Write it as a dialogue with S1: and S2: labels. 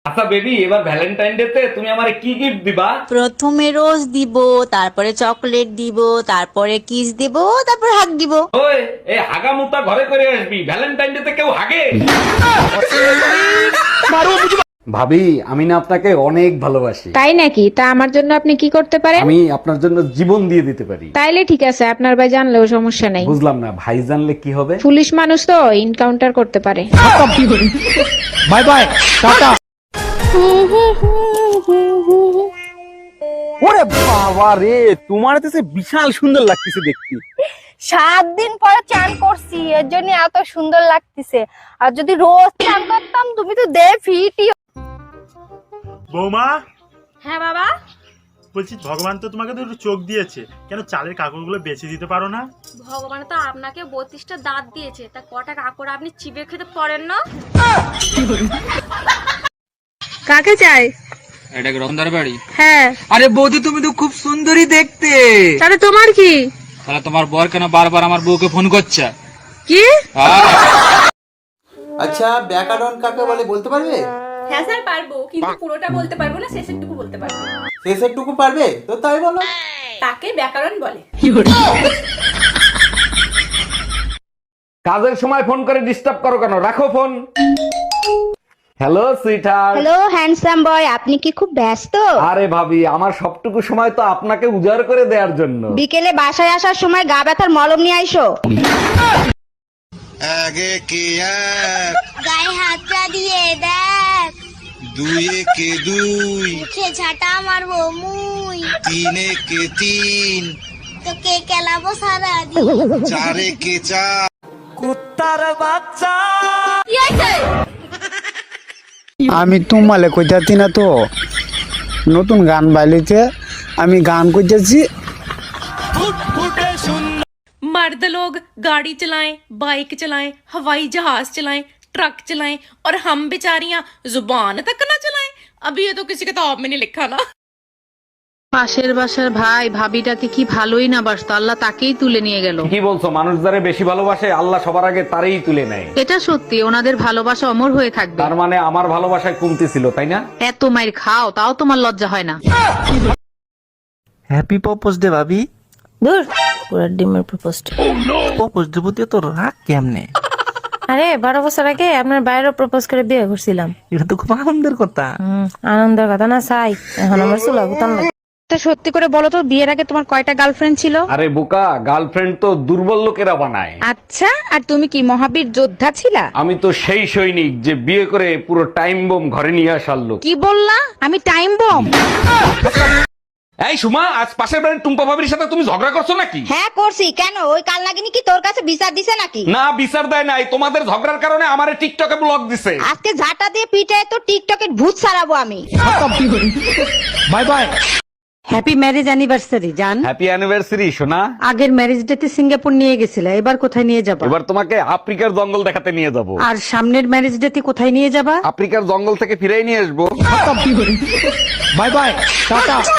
S1: আচ্ছা বেবি, এবার Valentine day তে তুমি আমারে কি গিফট দিবা?
S2: প্রথমে রোজ দিব, তারপরে চকলেট দিব, তারপরে কিস দিব, তারপর হাগ দিব।
S1: ওই এই হাগা মুতা ঘরে করে আসবি, ভ্যালেন্টাইন ডে তে কেউ হাগে? ভাবি, আমি না আপনাকে অনেক ভালোবাসি।
S3: তাই নাকি? তা আমার জন্য আপনি কি করতে পারেন?
S1: আমি আপনার জন্য জীবন দিয়ে দিতে পারি।
S3: তাইলে ঠিক আছে, আপনার ভাই জানলেও সমস্যা নাই।
S1: বুঝলাম না, ভাই জানলে কি হবে?
S3: পুলিশ মানুষ তো এনকাউন্টার করতে পারে।
S1: Bye bye, tata.
S4: ওরে বাবা রে, তোমার তো সে বিশাল সুন্দর লাগতেছে দেখতে।
S5: 7 দিন পরে চান করছি, এর জন্য এত সুন্দর লাগতেছে। আর যদি রোজ চান করতাম, তুমি তো ফিটি।
S6: বৌমা,
S5: হ্যাঁ বাবা,
S6: বলছি ভগবান তো তোমাকে দুটো চোখ দিয়েছে, কেন চালের কাকড়গুলো বেছে দিতে পারো না?
S5: ভগবান তো আপনাকে 32টা দাঁত দিয়েছে, তা কটা কাকড় আপনি চিবিয়ে খেতে পারেন না?
S3: কাকে চাই?
S7: এটা কি রতনদার বাড়ি?
S3: হ্যাঁ।
S7: আরে বৌদি, তুমি তো খুব সুন্দরী দেখতে।
S3: তাহলে তোমার কি?
S7: তাহলে তোমার বর কেন বারবার আমার বউকে ফোন করছে?
S3: কি?
S8: আচ্ছা, ব্যাকরণ কাকে বলে বলতে পারবে?
S5: হ্যাঁ স্যার পারবো, কিন্তু পুরোটা বলতে পারবো না, শেষেরটুকু বলতে পারবো।
S8: শেষেরটুকু পারবে তো তাই বলো।
S5: তাকে ব্যাকরণ বলে।
S1: কাজের সময় ফোন করে ডিস্টার্ব করো কেন? রাখো ফোন। Hello sweetheart.
S2: Hello handsome boy, আপনি কি খুব ব্যস্ত?
S1: আরে ভাবি, আমার সবটুকু সময় তো আপনাকে উজাড় করে দেওয়ার জন্য।
S2: বিকেলে বাসায় আসার সময় গা ব্যথার মলম নিয়ে আইসো।
S9: আগে কে এক,
S5: গায়ে হাতটা দিয়ে দেখ,
S9: দুয়ে কে দুই,
S5: মুখে ঝাঁটা মারবো মুই,
S9: তিনে কে তিন,
S5: তোকে কেলাবো সারা দিন।
S9: চারে কে চার।
S1: কুত্তার বাচ্চা।
S5: কি আছে?
S4: আমি তোমালে কইতাছি না তো, নতুন গান বাইলিতে আমি গান কইতেছি।
S10: मर्द लोग गाड़ी चलाएं, बाइक चलाएं, हवाई जहाज चलाएं, ट्रक चलाएं और हम बेचारियां जुबान तक ना चलाएं। अभी ये तो किसी किताब में नहीं लिखा ना।
S3: পাশের বাসার ভাই ভাবিটাকে কি ভালোই না বাসতো, আল্লাহ তাকেই তুলে নিয়ে গেল।
S1: কি বলছো? মানুষ যারে বেশি ভালোবাসে আল্লাহ সবার আগে তারই তুলে নেয়।
S3: এটা সত্যি, ওনাদের ভালোবাসা অমর হয়ে থাকবে।
S1: তার মানে আমার ভালোবাসায় কমতি ছিল, তাই না?
S3: এত মাইর খাও তাও তোমার লজ্জা হয় না?
S4: হ্যাপি প্রপোজ দে ভাবি।
S5: দূর, পুরো ডিমের প্রপোজড।
S4: প্রপোজ দেব দিয়ে তো রাগ কেমনে?
S5: আরে 12 বছর আগে আপনার বাইরে প্রপোজ করে বিয়ে করছিলাম।
S4: এটা তো খুব আনন্দের কথা।
S5: আনন্দের কথা না চাই, এখন আমার চুলা গুতান লাগে।
S3: সত্যি করে বলো তো, বিয়ের আগে তোমার কয়টা গার্লফ্রেন্ড ছিল?
S1: আরে বোকা, গার্লফ্রেন্ড তো দুর্বল লোকেরা বানায়।
S3: আচ্ছা, আর তুমি কি মহাবীর যোদ্ধা ছিলা?
S1: আমি তো সেই সৈনিক যে বিয়ে করে পুরো টাইম বোম ঘরে নিয়ে আসার লোক।
S3: কি বললা? আমি টাইম বম?
S1: এই সুমা, আজ পাশের বাড়ির টুম্পা ভাবির সাথে তুমি ঝগড়া করছো নাকি?
S2: হ্যাঁ করছি। কেন, ওই কাল নাগিনী কি তোর কাছে বিচার দিছে নাকি?
S1: না, বিচার দেয় নাই, তোমাদের ঝগড়ার কারণে আমারে টিকটকে ব্লক দিছে।
S2: আজকে ঝাঁটা দিয়ে পিঠে তো টিকটকের ভূত ছাড়াবো আমি।
S1: Bye bye.
S11: Happy marriage anniversary জান।
S1: হ্যাপি অ্যানিভার্সারি সোনা।
S11: আগের ম্যারেজ ডেতে সিঙ্গাপুর নিয়ে গেছিলে, এবার কোথায় নিয়ে যাবা?
S1: এবার তোমাকে আফ্রিকার জঙ্গল দেখাতে নিয়ে যাব।
S11: আর সামনের ম্যারেজ ডেতে কোথায় নিয়ে যাবা?
S1: আফ্রিকার জঙ্গল থেকে ফিরেই নিয়ে আসবো।
S4: Bye bye, tata.